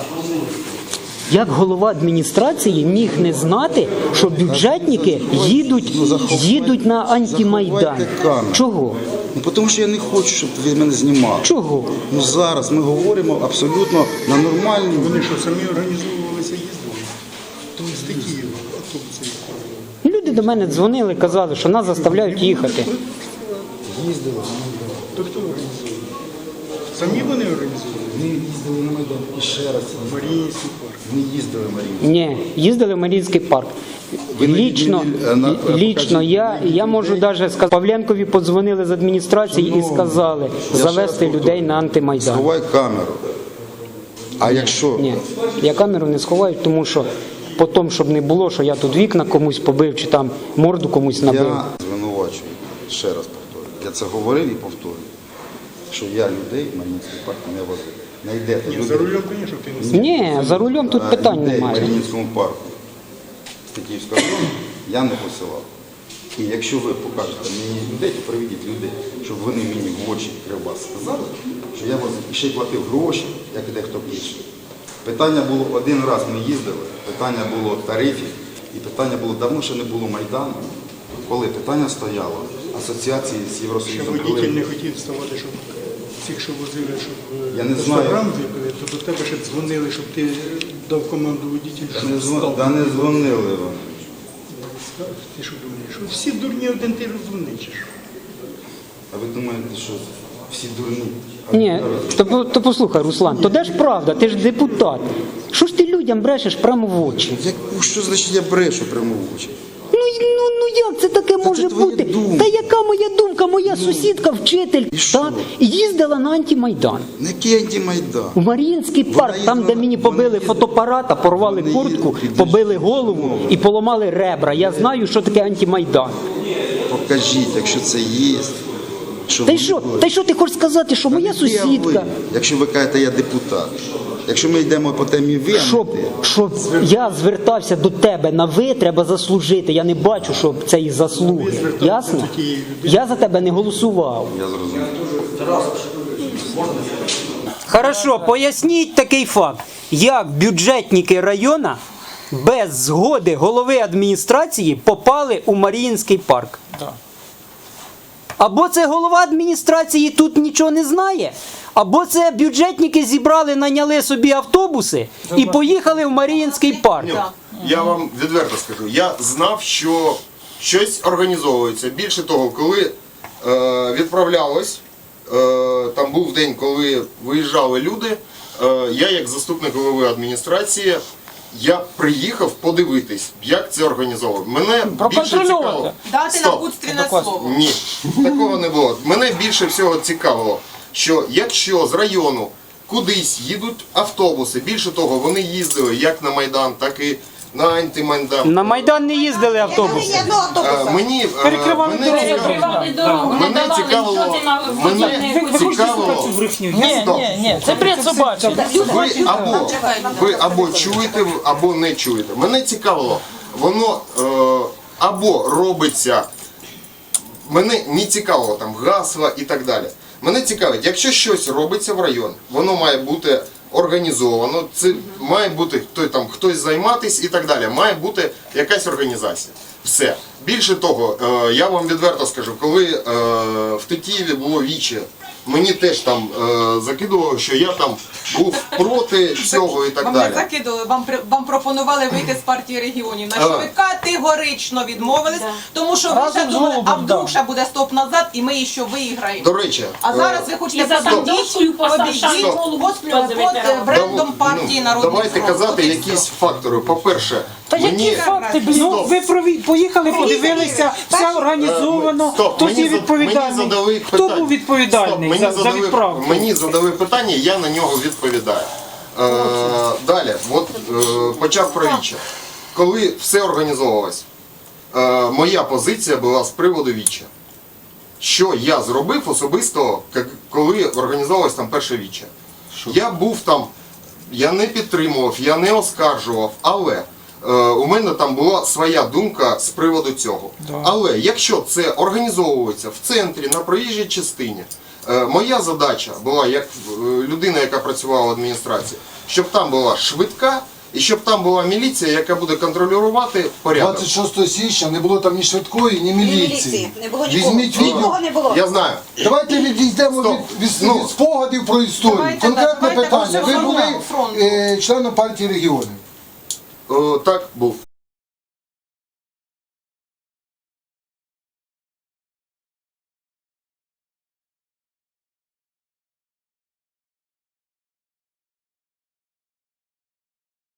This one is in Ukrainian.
Як голова адміністрації міг не знати, що бюджетники їдуть на антимайдан? Чого? Ну, тому що я не хочу, щоб ви мене знімали. Чого? Ну зараз ми говоримо абсолютно на нормальній. Вони що, самі організовувалися, їздили? То з Києва автобуси. Люди до мене дзвонили, казали, що нас заставляють їхати. Їздили. То хто організовував? Самі вони організовували? Ми їздили на Майдан. І ще раз. Маріїнський парк. Ми їздили в Маріїнський. Ні, їздили в Маріїнський парк. Лічно я можу навіть сказати, Павленкові подзвонили з адміністрації і сказали завести людей на антимайдан. Сховай камеру. А якщо... Ні, я камеру не сховаю, тому що потім, щоб не було, що я тут вікна комусь побив чи там морду комусь набив. Я звинувачую, ще раз повторюю. Я це говорив і повторюю, що я людей в Маріїнський парк не возив. Знайдете людей. За рулем, звісно, ти не сидиш. Ні, за рулем тут питань людей в немає. Маріїнському парку з Тетіївського району я не посилав. І якщо ви покажете мені людей, то приведіть людей, щоб вони мені в очі кривбас сказали, що я возив і ще й платив гроші, як і дехто інший. Питання було один раз ми їздили, питання було тарифів, і питання було давно ще не було Майдану, коли питання стояло асоціації з Ще Євросоюзом. водитель не хотів вставати, щоб цих, що возили, щоб Я не знаю. Інстаграм викликали, то до тебе ще дзвонили, щоб ти дав команду водителю, щоб встав. Та не дзвонили вони. Ти що думаєш, що всі дурні один ти розумний, чи що? А ви думаєте, що всі дурні? Ні, то послухай, Руслан, то де ж правда, ти ж депутат. Що ж ти людям брешеш прямо в очі? Що значить я брешу прямо в очі? Ну як це таке може твоя бути? думка. Та яка моя думка? Моя сусідка, вчитель, так, їздила на антимайдан. На який антимайдан? У Маріїнський парк, там, де мені побили фотоапарата, порвали куртку, побили голову і поламали ребра. Я знаю, що таке антимайдан. Покажіть, якщо це є. Та й що ти хочеш сказати, що моя сусідка? Якщо ви кажете, я депутат. Якщо ми йдемо по темі ви, Щоб я звертався до тебе на ви, треба заслужити. Я не бачу, що це і заслуги. Ясно? Я за тебе не голосував. я зрозумів. Хорошо, поясніть такий факт. Як бюджетники району без згоди голови адміністрації попали у Маріїнський парк? Або це голова адміністрації тут нічого не знає, або це бюджетники зібрали, наняли собі автобуси і поїхали в Маріїнський парк. Я вам відверто скажу, я знав, що щось організовується. Більше того, коли відправлялось, там був день, коли виїжджали люди, я як заступник голови адміністрації, я приїхав подивитись, як це організовано. Мене більше цікавило. Дати напутственне слово. Ні, такого не було. Мене більше всього цікавило, що якщо з району кудись їдуть автобуси, більше того, вони їздили як на Майдан, так і на антимайдан. На Майдан не їздили автобуси. Мені цікавило, Ні, це бред собачий. ви або чуєте, або не чуєте. Мене цікавило, воно або робиться, мене не цікавило там гасла і так далі. Мене цікавить, якщо щось робиться в районі, воно має бути організовано, це має бути хтось займатися і так далі. Має бути якась організація. Все. Більше того, я вам відверто скажу, коли в Тетіїві було віче, мені теж там закидувало, що я там був проти цього і так Вам далі. не закидували, вам пропонували вийти з партії регіонів, на що ви категорично відмовились, тому що ви ще думали, а вдруг ще буде стоп назад і ми ще виграємо. До речі, А зараз ви хочете обійти під брендом партії Народний давайте фронт. казати якісь фактори. По-перше, Та які факти? Ну, ви поїхали, подивилися, все організовано. Хто відповідальний? Хто був відповідальний за відправку? Мені задали питання, я на нього відповідаю. Далі, почав про віче. Коли все організовувалось, моя позиція була з приводу віче. Що я зробив особисто, коли організовувалось там перше віче? Я був там, я не підтримував, я не оскаржував, але у мене там була своя думка з приводу цього. Але якщо це організовується в центрі, на проїжджій частині, моя задача була, як людина, яка працювала в адміністрації, щоб там була швидка і щоб там була міліція, яка буде контролювати порядок. 26 січня не було там ні швидкої, ні міліції. Не було нікого. Візьміть відео. Нікого не було. Я знаю. Давайте відійдемо Стоп. від Ну. спогадів про історію. Давайте, Конкретне давайте питання. Ви по були фронту. членом партії регіонів. Так, був.